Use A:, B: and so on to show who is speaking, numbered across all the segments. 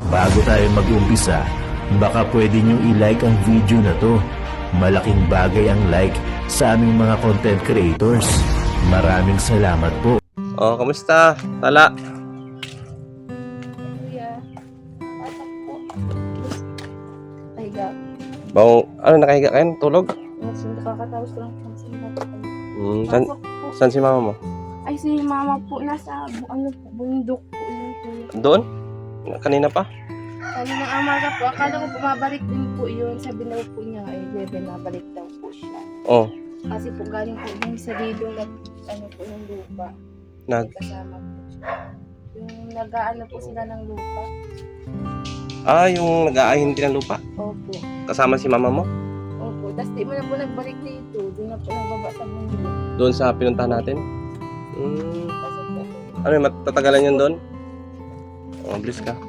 A: Bago tayo mag-umpisa, baka pwede nyo i-like ang video na to. Malaking bagay ang like sa aming mga content creators. Maraming salamat po.
B: Oh, kamusta? Tala.
C: Kuya, atak po. Pahiga.
B: Bang, ano, nakahiga kayo? Tulog?
C: Mas nakakatapos ko lang po sa mga
B: San,
C: Pasok po.
B: saan si mama mo?
C: Ay, si mama po nasa bundok po yun po.
B: Doon? Kanina pa?
C: Sabi ng amaga po, akala ko bumabalik din po yun. Sabi na po niya, ay, nabalik daw po siya.
B: Oh,
C: Kasi po galing po yung sa lidong ano po yung lupa.
B: nag...
C: May kasama po siya. Yung nag-aano po sila ng lupa.
B: Ah, yung nag-aahin din ng lupa.
C: Opo.
B: Kasama si mama mo?
C: Opo. Tapos di mo na po nagbalik dito. Doon na po nagbaba sa mundo.
B: Doon sa pinuntahan natin?
C: Kasi po.
B: Ano, matatagalan yun doon? Oh, bliss ka.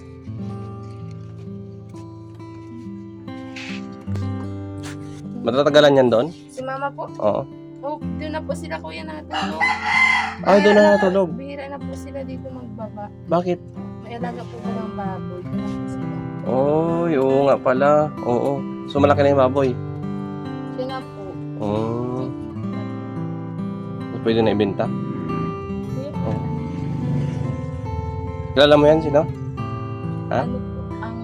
B: Matatagalan yan doon?
C: Si mama po,
B: Oo.
C: oh, doon na po sila kuya natin. No?
B: Ay, doon na natulog.
C: Bihira na po sila dito magbaba.
B: Bakit?
C: May alaga po ba ng baboy? Doon na po sila.
B: Oh, oo nga pala. Oo. So, malaki na yung baboy.
C: Siya na po.
B: Oh. Pwede na ibenta.
C: Kuya po,
B: Oh. Kilala mo yan, sino? Ha?
C: ano po, ang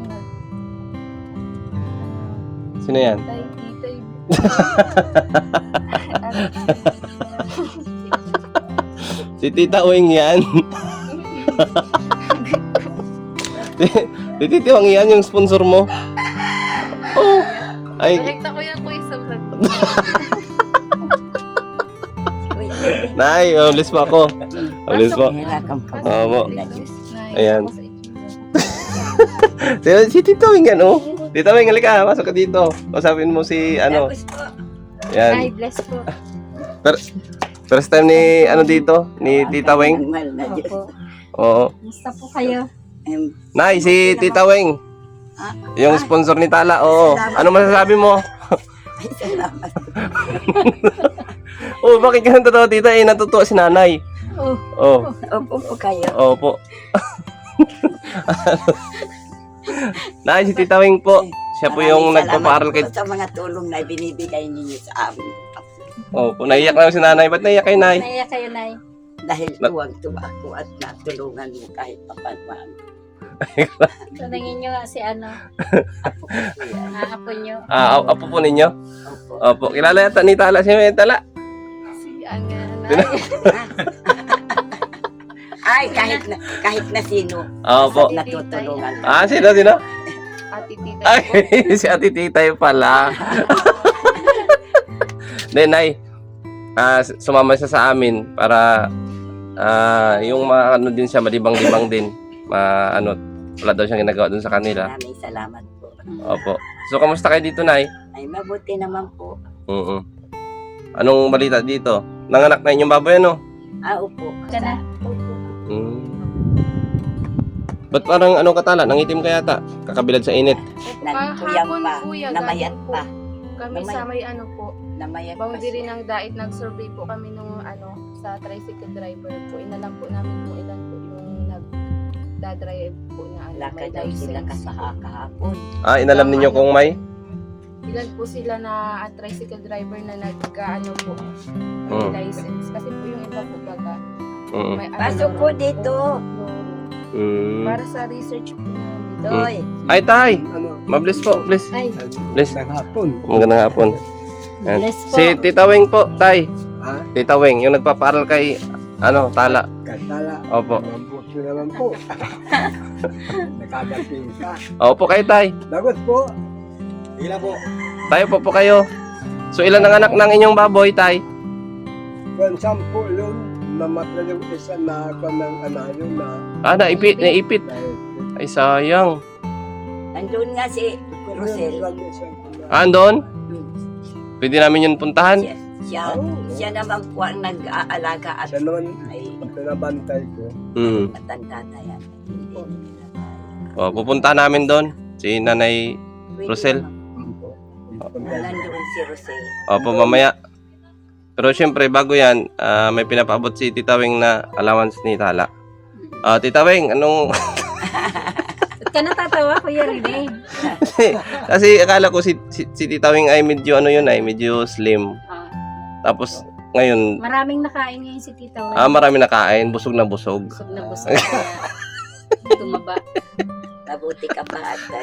B: Sino yan?
C: titay.
B: Si Tita Uwing yan. Si Tita Uwing yan, yung sponsor mo. Oh. Ay,
C: Direkta ko yan kuya sa vlog.
B: Nay, ulis pa ako. Ulis po. Oo. Ayan. Si Tita Uwing yan, oh. Tita Uwing, halika, masok ka dito. Usapin mo si, ano.
C: Ay,
B: Yan.
C: bless po.
B: First time ni, ano dito, ni Tita Uwing.
C: Opo.
B: Oo.
C: Musta po kayo?
B: Nay, si Tita Uwing. Yung sponsor ni Tala, oo. Ano masasabi mo? Oh, bakit ka natutuwa, tita? Eh, natutuwa si nanay. Oh.
D: Opo po kayo.
B: Opo. Nay, si Tita Wing po. Siya po yung
D: Maraming
B: nagpapaaral
D: salamat
B: kay...
D: po sa mga tulong na binibigay ninyo sa amin.
B: Opo, naiyak na si nanay. Ba't naiyak kay nay?
C: Naiya kayo, Nay.
D: Dahil tuwag-tuwa ako at natulungan mo kahit papanuan.
C: Tanungin nyo nga si ano,
D: Ako po yan.
C: apo nyo.
B: Ah, apo po ninyo?
D: Opo.
B: Opo, kilala yata ni Tala. Sino yung Tala?
C: Si Nay.
D: Ay, kahit na sino.
B: Opo.
D: Natutulungan.
B: Ah, sino?
C: Ate Tita.
B: Ay, si Ate Titay pala. Then, Nay, sumama siya sa amin para yung ano din siya, malibang-libang din. Wala daw siyang ginagawa dun sa kanila.
D: Maraming salamat po.
B: Opo. So, kamusta kayo dito, Nay?
D: Ay, mabuti naman po.
B: Anong balita dito? Nanganak na inyong baboy, ano?
D: Opo.
C: Kana.
B: Ba't parang ano katala? Nangitim ka yata? Kakabilad sa init.
D: Nagpuyang
C: Kahapon,
D: pa.
C: kuya,
D: Namayat
C: galing po.
D: pa.
C: Kami
D: Namayat.
C: sa may ano po,
D: Namayat pa
C: boundary
D: siya.
C: ng Dait, nag-survey po kami nung ano, sa tricycle driver po. Inalam po namin kung ilan po yung nagdadrive po na ano,
D: Wala ka
C: may
D: daw sila
C: license.
D: kahapon.
B: Inalam ninyo kung may?
C: Ilan po sila na tricycle driver na nag-ano po, may
B: Mm.
C: license. Kasi po yung iba po baga. May, ano,
D: Pasok po dito.
C: Para sa research po namin.
D: Doy.
B: Ay, tay! Mabliss po, please.
C: Ay,
B: Bliss.
E: Hapon.
B: Magandang hapon. Yan.
C: bless po.
B: Si Tita Wing po, tay.
E: Ha?
B: Tita Wing, yung nagpapaaral kay, Tala.
E: Katala.
B: Opo.
E: Mabuti naman po. Nakadating ka.
B: Opo kayo, tay.
E: Lagot po. Ila po.
B: Tayo po kayo. So, ilan ang anak ng inyong baboy, tay?
E: Kung 10 yun, namatay yung isa na ako ng anayo na
B: Naipit.
E: dahil
B: Ay, sayang.
D: Nandun nga si Rosel.
B: Andon? Pwede namin yun puntahan?
D: Siya naman po ang nag-aalaga at
E: Siya naman
D: ay
E: pinabantay ko.
D: matanda na yan. Hindi nila kaya.
B: O, pupunta namin doon. Si Nanay
D: Pwede
B: Rosel?
D: naman. Nandun si Rosel.
B: Opo, mamaya. Pero syempre, bago yan, may pinapaabot si Tita Wing na allowance ni Tala. Tita Wing, anong...
F: Ba't ka natatawa, Kuya Rene?
B: Kasi akala ko si Tita Wing ay medyo ano yun ay, medyo slim.
F: Ah,
B: Tapos ngayon,
F: maraming nakain ngayon si Tita Wen.
B: marami nakain, busog na busog.
F: Busog na busog. Kaya tumaba.
D: Mabuti ka pa atay.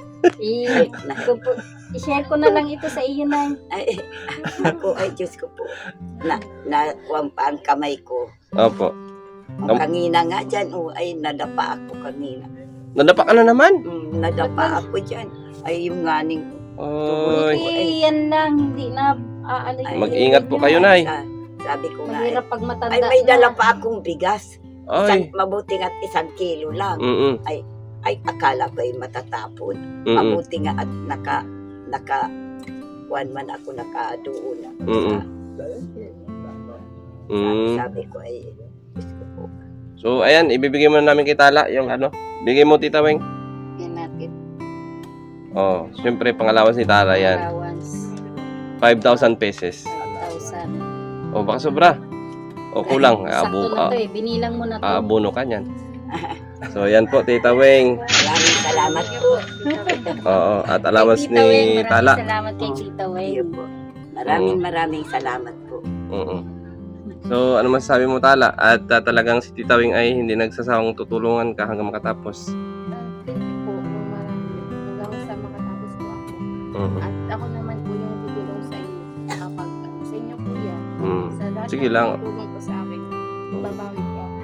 F: I-share ko na lang ito sa iyo na.
D: Ay, ako ay Diyos ko po. Nakuha pa ang kamay ko.
B: Opo.
D: Kanina nga dyan, ay nadapa ako kanina.
B: Nadapa ka na naman.
D: Nadapa ako dyan. Ay, yung nganing
B: Oy.
F: Hindi yan lang, hindi na
D: Ay,
B: Mag-ingat po kayo, Nay.
D: Sabi ko nga,
F: Mahirap pag matanda
D: ay may dala
F: na.
D: pa akong bigas.
B: Ay.
D: Mabuti nga 1 kilo lang.
B: Mm-mm.
D: Ay, akala ko ay matatapon.
B: Mm-mm.
D: Mabuti nga at kuwan man ako nakadoon.
B: Mm-mm. Mm.
D: Sabi ko ay, Diyos ko po.
B: So, ayan, ibibigay mo na namin kay Tala yung ano. Bigay mo, Tita Weng.
F: Yan natin.
B: Oh, syempre, pangalawas ni Tala yan.
F: Allowance,
B: 5,000 pesos.
F: 5,000.
B: O, baka sobra. O, kulang.
F: Sakto na to eh. Binilang mo na to.
B: Abono ka niyan. So, yan po, Tita Weng.
D: Maraming salamat po.
B: Oo, at allowance
F: Kay Tita Wen,
B: ni Tala.
F: Maraming salamat kay Tita Wen.
D: Iyo po. Maraming salamat po.
B: Oo. So, ano masasabi mo, Tala? At talagang si Tita Weng ay hindi nagsasawang tutulungan ka hanggang makatapos.
C: Thank you po ng marami. Hanggang sa makatapos po ako.
B: Mhm.
C: At ako naman po yung tutulong sa inyo. Kapag sa inyo po yan.
B: Mm.
C: Sa lahat
B: Sige
C: ng
B: lang.
C: tutulong po sa akin. Babawi po ako.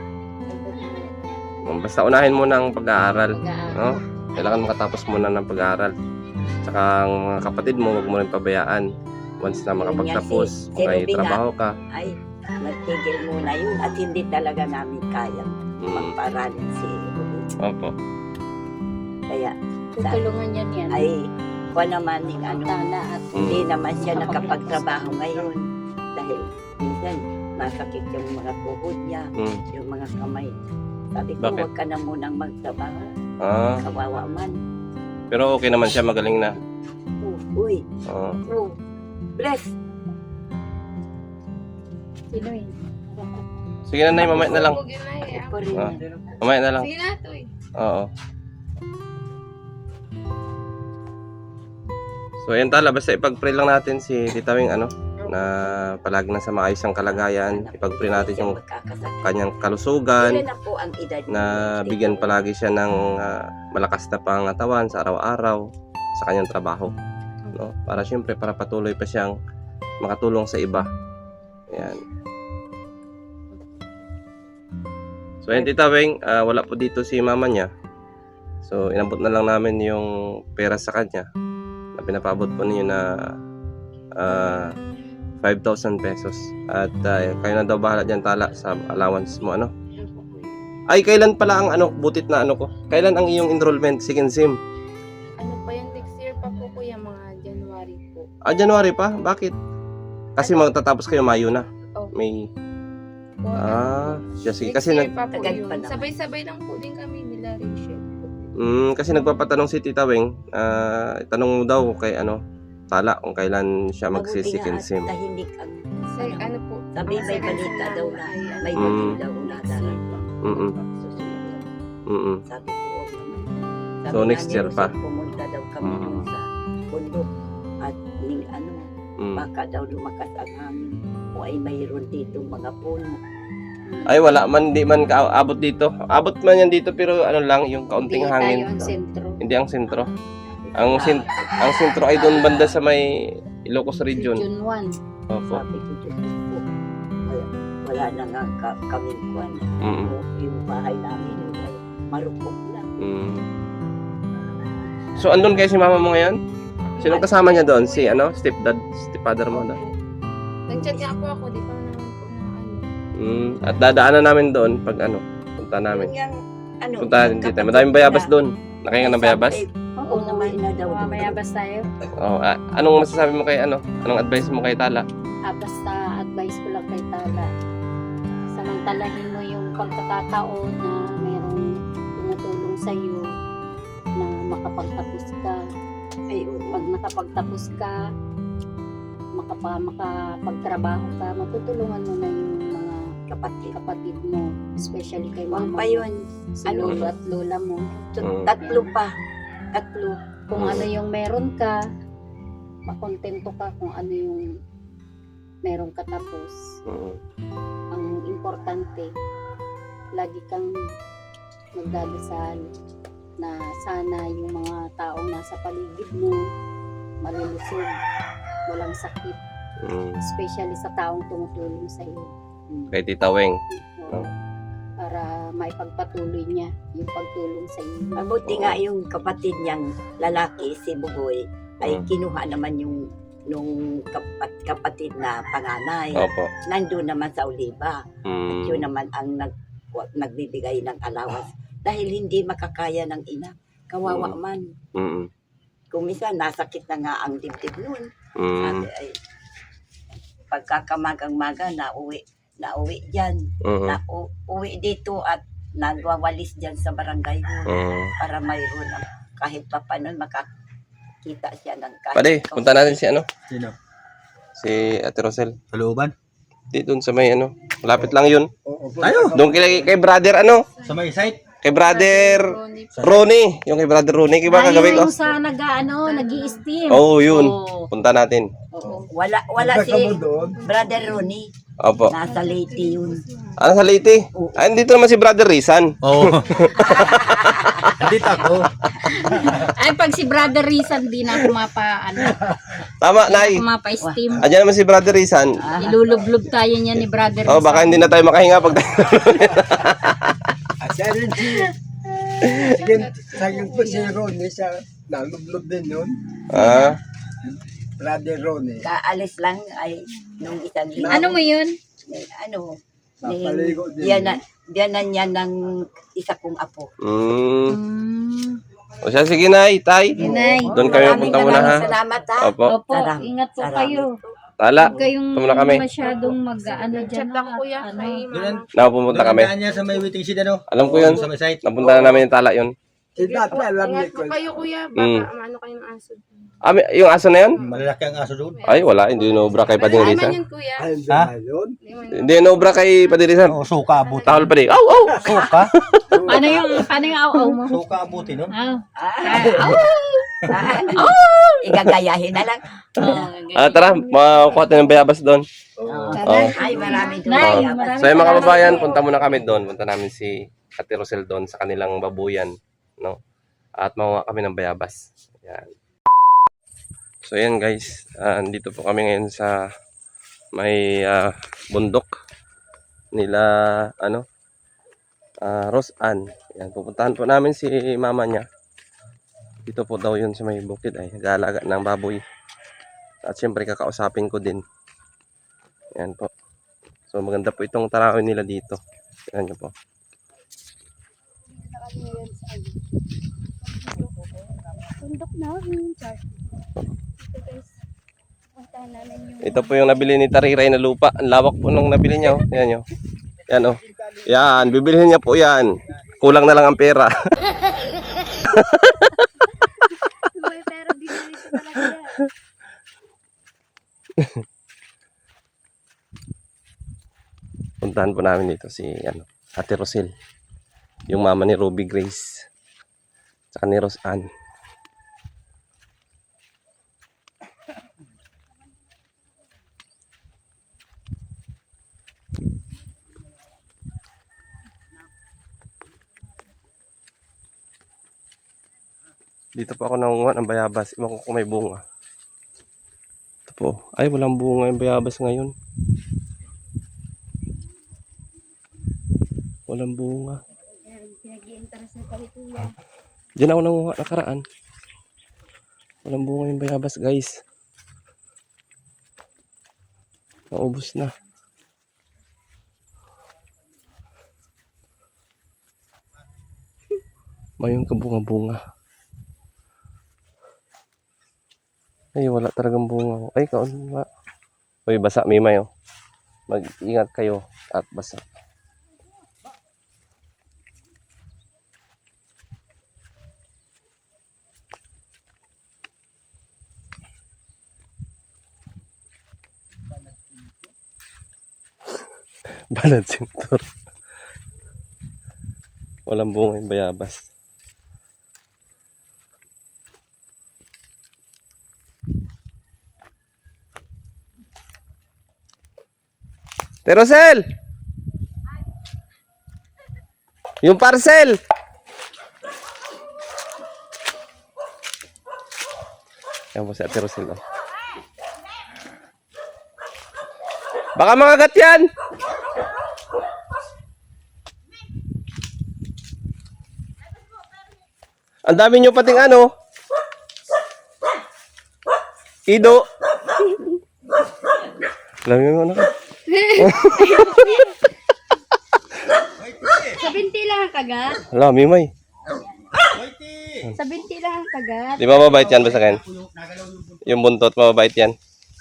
B: Basta unahin mo ng pag-aaral.
F: Pag-aaral.
B: No? Kailangan makatapos muna ng pag-aaral. Tsaka ang mga kapatid mo, huwag mo rin pabayaan. Once na makapagtapos,
D: Si
B: may
D: Ruby nga.
B: trabaho ka.
D: Ay, nagtigil muna yun at hindi talaga namin kaya
B: Mm.
D: magparanin si Ruby.
B: Opo.
D: Kaya,
F: Tutulungan yan yan.
D: ay, kuha naman yung ano,
F: Tala at
D: hindi naman siya nakapagtrabaho ngayon. Dahil minsan, masakit yung mga tuhod niya,
B: Mm.
D: yung mga kamay. Sabi ko,
B: Bakit?
D: huwag ka na munang magtrabaho.
B: Ah,
D: Kawawa man.
B: pero okay naman siya, magaling na.
D: Uy,
B: Oo.
D: bro, bless.
F: sino yun?
B: Sige na, Nay, mamaya na lang.
C: Huwag yun na eh.
D: Ako rin.
B: Ah. Mamaya na lang.
C: Sige na to eh.
B: Oo. So, ayan, Tala, basta ipag-pray lang natin si Tita Weng, ano, na palagi nasa maayos ang kalagayan. Ipag-pray natin yung
D: Magkakasakit.
B: kanyang kalusugan,
D: Ilan na po ang edad
B: na bigyan palagi siya ng malakas na pangatawan sa araw-araw sa kanyang trabaho, no? Para syempre para patuloy pa siyang makatulong sa iba. Ayan. So ayun, Tita Weng, wala po dito si mama niya. So inabot na lang namin yung pera sa kanya na pinapabot po niyo na 5,000 pesos. At kayo na daw bahala dyan, Tala, sa allowance mo, ano? Ay, kailan pala ang ano, butit na ano ko? Kailan ang iyong enrollment, second SIM?
C: Ano pa yan, next year pa po kuya, mga January po.
B: January pa? Bakit? Kasi magtatapos kayo Mayo na.
C: Oh.
B: May, sige.
C: Next
B: Kasi,
C: year pa po
D: tagal
C: yun.
D: pa naman.
C: Sabay-sabay lang po din kami nila Rachel.
B: kasi nagpapatanong si Tita Weng, tanong mo daw kay ano, Tala, kung kailan siya magsi-second SIM.
D: Tahimik ang
C: Sir, ano po?
D: Sabi
C: ang
D: may
C: second
D: balita
C: SIM
D: daw
C: namin
D: na
C: ay, ano,
D: may
B: Mm.
D: dating daw na darating.
B: Mm-mm.
D: Susunod yan.
B: Mm-mm.
D: Sabi ko, huwag naman. Sabi
B: So,
D: nga
B: next
D: ni
B: year pa.
D: Jose, pumunta daw kami
B: Mm.
D: doon sa bundok at ning ano,
B: Mm.
D: baka daw lumakas ang hangin o ay mayroon dito mga puno.
B: Ay, wala man, di man kaabot dito. Abot man yan dito, pero ano lang, yung kaunting
F: Hindi
B: hangin.
F: tayo ang sentro.
B: Hindi ang sentro. Ang sentro ay doon banda sa may Ilocos Region.
F: June 1.
B: Opo.
D: Sabi ko, Diyos ko po, wala na nga kami kuwan.
B: Mm.
D: Yung bahay namin yung ay marupok na.
B: Mm. So, andun kayo si mama mo ngayon? Sino kasama niya doon? Si ano? Stepfather mo doon?
C: Nag-chat nga po ako, di pa naman po na ano.
B: At dadaanan namin doon pag ano, punta namin.
D: Yung, ano,
B: Punta natin dito. Madaming bayabas doon. Nakahinga ng bayabas?
D: Oo naman na daw.
F: Mamayabas tayo.
B: Oh, anong masasabi mo kay ano? Anong advice mo kay Tala?
F: Basta advice ko lang kay Tala. Samantalahin mo yung pagkakataon na mayroong tumutulong sa iyo na makapagtapos ka.
D: Ay, oo.
F: Pag nakapagtapos ka, makapagtrabaho ka, matutulungan mo na yung mga
D: Kapatid.
F: kapatid mo mo, especially kay
D: Wang
F: mama
D: pa yun.
F: si lolo at lola mo.
D: Tatlo pa. Tatlo.
F: Kung ano yung meron ka, makontento ka kung ano yung meron ka tapos.
B: Mm.
F: Ang importante, lagi kang magdadasal na sana yung mga taong nasa paligid mo malulusog, walang sakit,
B: Mm.
F: especially sa taong tumutulong sa iyo.
B: Kay Tita Weng.
F: Oo. Para maipagpatuloy niya yung pagtulong sa iyo.
D: Mabuti nga yung kapatid niyang lalaki, si Bugoy, ay
B: Mm.
D: kinuha naman yung nung kapatid na panganay.
B: Opo.
D: Nandun naman sa Oliva. At yun naman ang nagbibigay ng allowance. Dahil hindi makakaya ng ina. Kawawa man.
B: Mm.
D: Kung minsan, nasakit na nga ang dibdib nun.
B: Mm.
D: Sabi ay, pagkakamagang-maga, nauwi dyan.
B: Mm.
D: Uwi dito at nagwawalis dyan sa barangay hall
B: Mm.
D: para mayroon ang kahit pa paano makakita siya ng kahit.
B: Pare, punta natin si ano?
G: Sino?
B: Si Ate Rosel.
G: Sa looban?
B: Di doon sa may ano. Malapit lang yun.
E: Oo,
G: Tayo!
B: Doon kay brother ano?
G: Sa may site?
B: Kay brother
C: Ronnie.
B: Ronnie. Yung kay brother Ronnie. Kiba kagabi ko?
F: Yung sa nag-i-steam.
B: Oo, yun.
F: Oo.
B: Punta natin.
F: Oo.
D: Wala
E: Punta
D: si
E: ka mo doon.
D: Brother Ronnie.
B: Opo.
D: Nasa Leyte yun.
B: Ano sa Leyte? Ay, dito naman si brother Rizan.
G: Oo. Andito ako.
F: Ay, pag si Brother Rizan, di na ako
B: Tama, Nay.
F: mapa-steam.
B: Andiyan naman si brother Rizan.
F: Ilulublog tayo niya ni Brother
B: Oh, baka hindi na tayo makahinga pag
E: At siya rin sa po si Ronnie sa nalublob din yun.
B: Ah,
E: Brother Ronnie.
D: Kaalis lang ay nung isang linggo.
F: Ano mo yun?
D: Ano?
E: Napaligo din.
D: Diyanan niya ng isa kong apo.
B: O siya, sige, Nay, Tay.
F: Nay.
B: Doon kami punta muna, ha?
D: Salamat ha.
B: Opo.
F: Opo,
D: Sarap.
F: ingat po
D: Sarap.
F: kayo.
B: Tala.
F: Huwag kayong
B: Tumula kami.
F: masyadong mag-ano dyan.
C: Chat lang kuya
F: Ano.
C: kay
G: Doon
C: mama.
B: Napupunta kami.
G: Doon niya sa may waiting shed ano?
B: Alam ko yun.
G: Sa may site.
B: Napunta na namin yung tala yun.
E: Si dati alam niya
C: Ingat
E: ko.
C: po kayo kuya.
B: Mm.
C: Baka ano kayo ng aso.
B: Ah, yung aso na yun?
G: Malalaki ang aso doon.
B: Ay, wala. Hindi nobra kay Padre
C: Ay,
B: Rizan.
C: man yun kuya.
E: Ay,
G: Ha?
E: yun.
B: Hindi nobra kay Padre Rizan.
G: Oo, suka abuti.
B: Tahol pa din. Aw, aw!
G: Suka?
F: Paano yung aw-aw mo?
G: Suka abuti nun?
D: Igagayahin na lang.
B: Tara, makukuha tayo ng bayabas doon.
E: Oo.
B: Oh.
D: Ay, marami doon.
F: Nay,
D: Kaya,
F: marami
B: So, yung mga kababayan, punta muna kami doon. Punta namin si Ate Rosel doon sa kanilang babuyan. No? At makuha kami ng bayabas. Yan. So, yan guys. Andito po kami ngayon sa may bundok nila, Rose Ann. Yan, pupuntahan po namin si mama niya. Dito po daw yun sa may bukid ay nag-aalaga ng baboy. At syempre kakausapin ko din. Yan po. So maganda po itong tarawin nila dito. Yan nyo po.
C: Tundok namin. Ito guys. Puntahan namin yung
B: Ito po yung nabili ni Tariray na lupa. Ang lawak po nung nabili niya. Oh. Yan nyo. Yan oh. Yan. Bibilihin niya po yan. Kulang na lang ang pera.
C: Uy, pero bibili ko talaga yan.
B: Puntahan po namin dito si Ate Rosel. Yung mama ni Ruby Grace. Saka ni Rose Ann. Dito po ako nangunguha ng bayabas. Iwan ko kung may bunga. Ito po. Ay, walang bunga yung bayabas ngayon. Walang bunga.
C: Pinag-i-interest na pala kuya.
B: Diyan ako nanguha nakaraan. Walang bunga yung bayabas, guys. Naubos na. Mayroon ka bunga-bunga. Ay, wala talagang bunga. Ay, kaon nga. Uy, basa, Mimay, oh. Mag-ingat kayo at basa. Balad sintor. Walang bunga yung bayabas. Terosel! Yung parcel! Yan po si Ate Rosel. Oh. Baka makagat yan! Ang dami nyo pating ano? Ido! Alam mo na ka.
F: Sa binti lang ang kagat.
B: Hala, Mimay.
F: Sa binti lang ang kagat.
B: Di ba mabait yan ba sa akin? Yung buntot, mababait yan.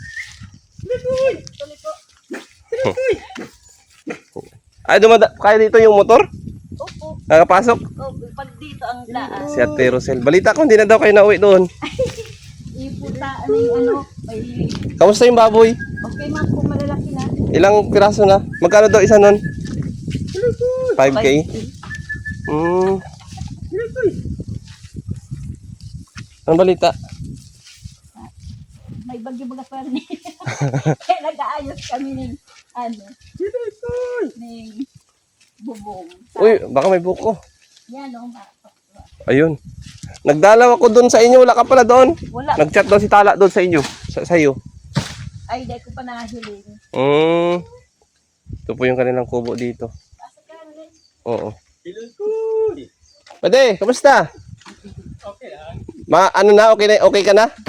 B: Ay, kaya dito yung motor?
D: Opo.
B: Nakapasok?
D: Oh, pag dito ang daan.
B: Si Ate Rosel. Balita ko, hindi na daw kayo nauwi doon.
D: Iputa, ano yung ano. Ay,
B: Kamusta yung baboy?
D: okay man po, malalaki na.
B: Ilang piraso na? Magkano daw isa nun? 5K? Anong balita?
D: May bagyo mga parni. Kaya nag-aayos kami ng ano. Ng bubong.
B: Uy, baka may buko.
D: Yan o.
B: Ayun. Nagdalaw ako doon sa inyo. Wala ka pala doon.
D: Wala.
B: Nag-chat daw si Tala doon sa inyo. Sa iyo.
D: Ay, di ko pa nahiling.
B: Ito po yung kanilang kubo dito. Oo. Pwede, kamusta?
G: Okay lang.
B: Ano na, okay ka na?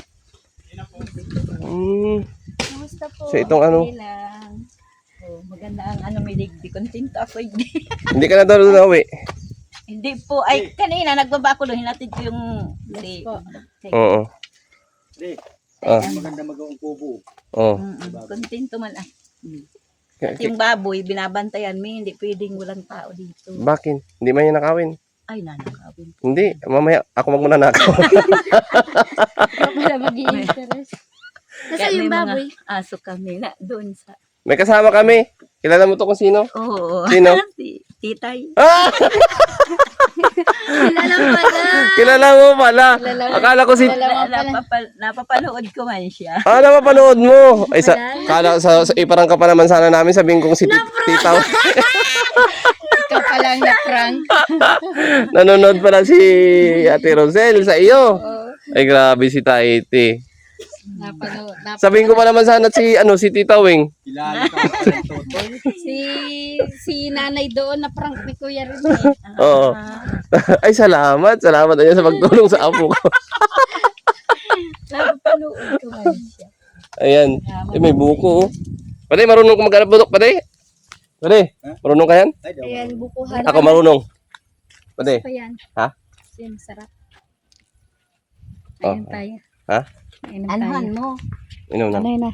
D: Kamusta po?
B: So itong ano,
D: Okay lang. Oh, maganda ang ano, may digdi. Kontento ako.
B: hindi ka na daw doon nauwi.
D: Hindi po. Ay, kanina, nagbaba ko doon. Hinatid ko yung...
B: Oo. Ah.
G: Maganda magawang kubo.
B: Oo.
D: Kontento man. Ah.
B: K-
D: At yung baboy, binabantayan mo. Hindi pwedeng walang tao dito.
B: Bakit? Hindi man yan nakawin.
D: Ay, nanakawin.
B: Hindi, mamaya ako magmuna nakaw.
F: Ikaw pala mag-i-interest.
D: Kaya may mga aso kami na doon sa...
B: May kasama kami. Kilala mo to kung sino?
D: Oo.
B: Sino?
D: Si Titay.
B: Ah!
F: Kilala mo pala.
B: Kilala mo pala. Akala ko si...
D: Napapanood ko man siya.
B: Ah, napapanood mo. Ay, iparang ka pa naman sana namin. Sabihin kong si Tita.
F: Ikaw pala ang na-prank.
B: Nanonood pala si Ate Rosel sa iyo. Ay, grabe si Taiti.
F: Napanood.
B: Sabihin ko pa naman sana si Tita Wing.
G: Kilala ka pa ng Totoy.
F: Si nanay doon na prank ni Kuya rin.
B: Oo. Ay, salamat. Salamat na sa pagtulong sa apo ko.
D: Napapanood ko man siya.
B: Ayan. Ay, may buko. Pwede, marunong ko maghanap budok. Pwede? Pwede? Marunong ka yan?
G: Ay, daw.
F: Ayan, bukuhan.
B: Ako marunong. Pwede?
F: Pa yan.
B: Ha?
F: Yan, sarap.
B: Oh.
F: Ayan tayo.
B: Ha?
F: Ayan tayo.
D: Anuhan mo.
B: Inom na.
F: Ano yun na?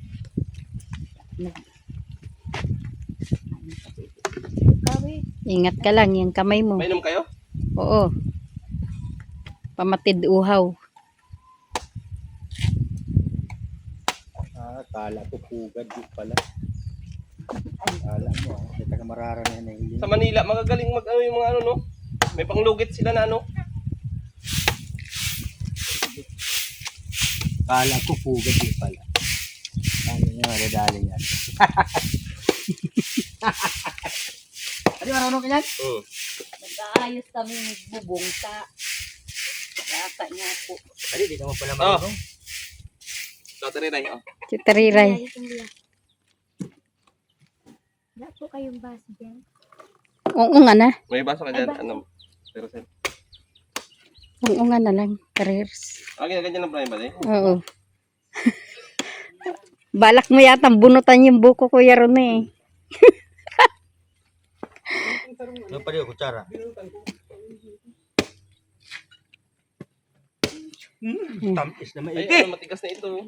F: Ingat ka lang, yung kamay mo.
B: Mainom kayo?
F: Oo. Pamatid uhaw.
G: Kala ko pugad yun pala. Kala mo, may taga mararanayan na yun.
B: Sa Manila, magagaling mag-ano yung mga ano, no? May panglugit sila na, ano?
G: Kala ko pugad yun pala. Ano nga, nadali yan. Ano, marunong ka yan?
D: Nag-aayos kami ng bubong sa yata niya po.
G: Ay, di naman pala marunong.
B: Ito, tariray. Oh.
F: Si Tariray.
C: Wala po kayong baso dyan.
F: Oo nga na.
B: May baso ka dyan. Ano? Pero sir.
F: Oo nga na lang. Careers.
B: Ganyan lang pala ba,
F: Oo. Balak mo yata bunutan yung buko Kuya Ron eh.
G: Ano pa rin, kutsara? Tampis na
B: Ay,
G: maigi.
B: matigas na ito.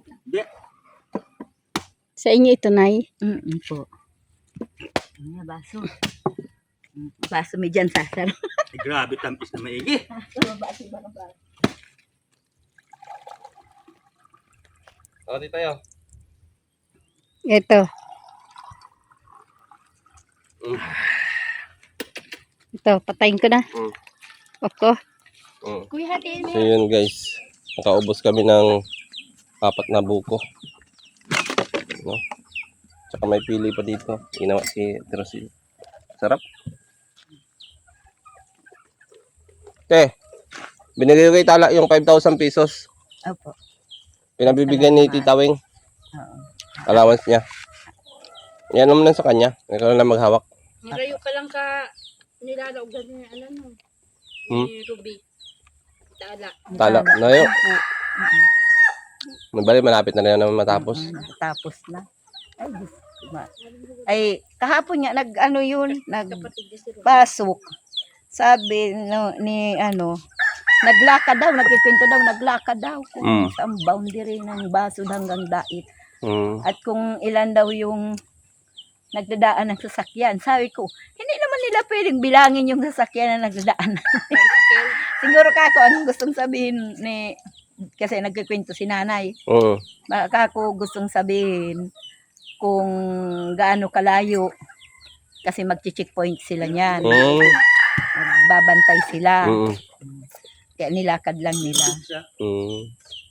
F: Sa inyo ito, Nay.
D: Po. Ano baso? Baso may dyan sasar.
G: Ay, grabe, tampis na maigi.
B: O, di tayo.
F: Ito. Ito, patayin ko na.
B: Mm.
F: Oko.
C: Kuya, hatiin mo.
B: So yun guys, nakaubos kami ng 4 na buko. No? Tsaka may pili pa dito. Ginawa si Terosil. Sarap. Binigay ko kay Tala yung 5,000 pesos.
D: Opo.
B: Pinabibigyan ni Tita Wing.
D: Oo.
B: Allowance niya. Yan naman sa kanya. Ikaw na lang maghawak.
C: Marayo ka lang ka nilalaog ganyan ano no. Ni Ruby. Tala.
B: Tala. Na yun. Mabali, malapit na rin naman matapos.
D: Tapos na. Ay, ay, kahapon nga, nag-ano yun,
C: Kapatid niya si Ruby.
D: nagpasok. Sabi naglakad daw, nagkikwento daw, naglakad daw kung saan boundary ng Basud hanggang Dait.
B: Mm.
D: At kung ilan daw yung nagdadaan ng sasakyan. Sabi ko, hindi naman nila pwedeng bilangin yung sasakyan na nagdadaan. Siguro kako, anong gustong sabihin kasi nagkikwento si nanay.
B: Mm.
D: Baka ako gustong sabihin kung gaano kalayo kasi magchi-checkpoint sila niyan.
B: Mm.
D: Magbabantay sila.
B: Mm.
D: Kaya nilakad lang nila.
B: Mm.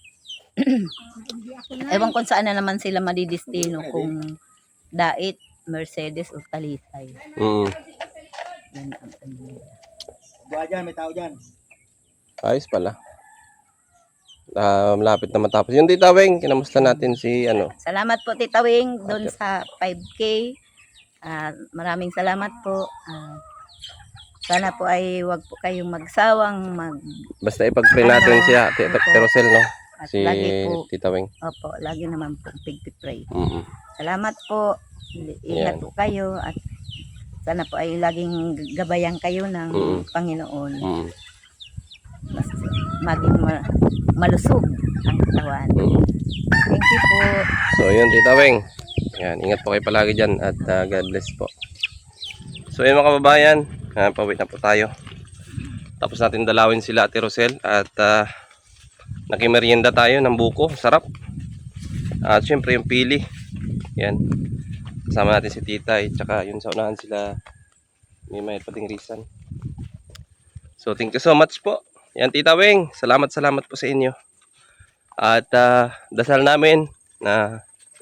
D: Ewan kung saan na naman sila madidistino kung Dait, Mercedes o Talisay.
B: Mm.
D: Yan ang ano nila.
G: Buha dyan, may tao dyan.
B: Ayos pala. Malapit na matapos. Yung Tita Wing, kinamusta natin si ano?
D: Salamat po Tita Wing doon sa 5K. Maraming salamat po. Sana po ay wag po kayong magsawang
B: Basta ipag-pray natin siya, Tita Rosel, no?
D: at
B: Si
D: lagi po,
B: Tita Wing.
D: opo, lagi naman po pig-pray.
B: Mm.
D: Salamat po.
B: Yan.
D: Ingat po kayo at sana po ay laging gabayan kayo ng Panginoon.
B: Mm.
D: Mas maging malusog ang katawan.
B: Mm.
D: Thank you po.
B: So, yun, Tita Wing. Yan, ingat po kayo palagi dyan at God bless po. So, yun mga kababayan, pawit na po tayo. Tapos natin dalawin sila Ate Rosel at nakimerienda tayo ng buko, sarap. At syempre yung pili. Yan. Kasama natin si Titay, tsaka yun sa unahan sila may pating risan. So, thank you so much po. Yan, Tita Wing, salamat po sa inyo. At dasal namin na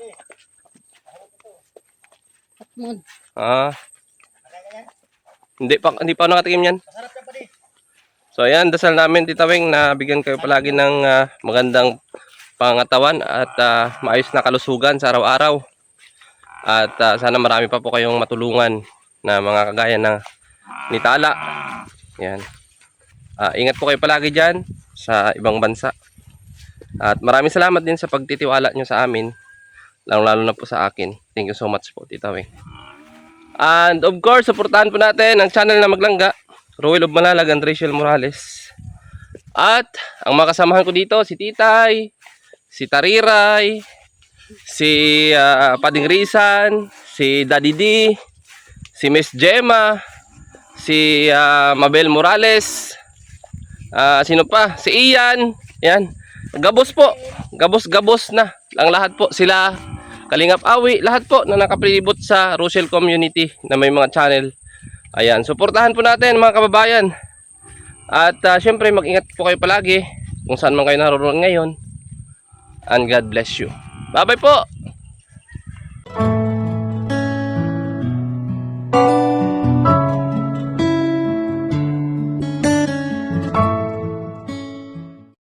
B: hindi pa nakatikim yan. So ayan, dasal namin Tita Wing na bigyan kayo palagi ng magandang pangatawan at maayos na kalusugan sa araw-araw. At sana marami pa po kayong matulungan na mga kagaya na ni Tala. Yan. Ingat po kayo palagi dyan sa ibang bansa. At maraming salamat din sa pagtitiwala nyo sa amin. Lalo na po sa akin. Thank you so much po Tita Wing. And of course, supportahan po natin ang channel na Maglangga, Ruel of Malalag and Rachel Morales. At ang mga kasamahan ko dito, si Titay, si Tariray, si Pading Risan, si Daddy D, si Miss Gemma, si Mabel Morales, sino pa? Si Ian. Yan. Gabos po. Gabos na. Ang lahat po sila Kalingap Awi, lahat po na nakapalibot sa Rochelle community na may mga channel. Ayan, suportahan po natin mga kababayan. At syempre mag-ingat po kayo palagi kung saan man kayo naroon ngayon. And God bless you. Bye bye po.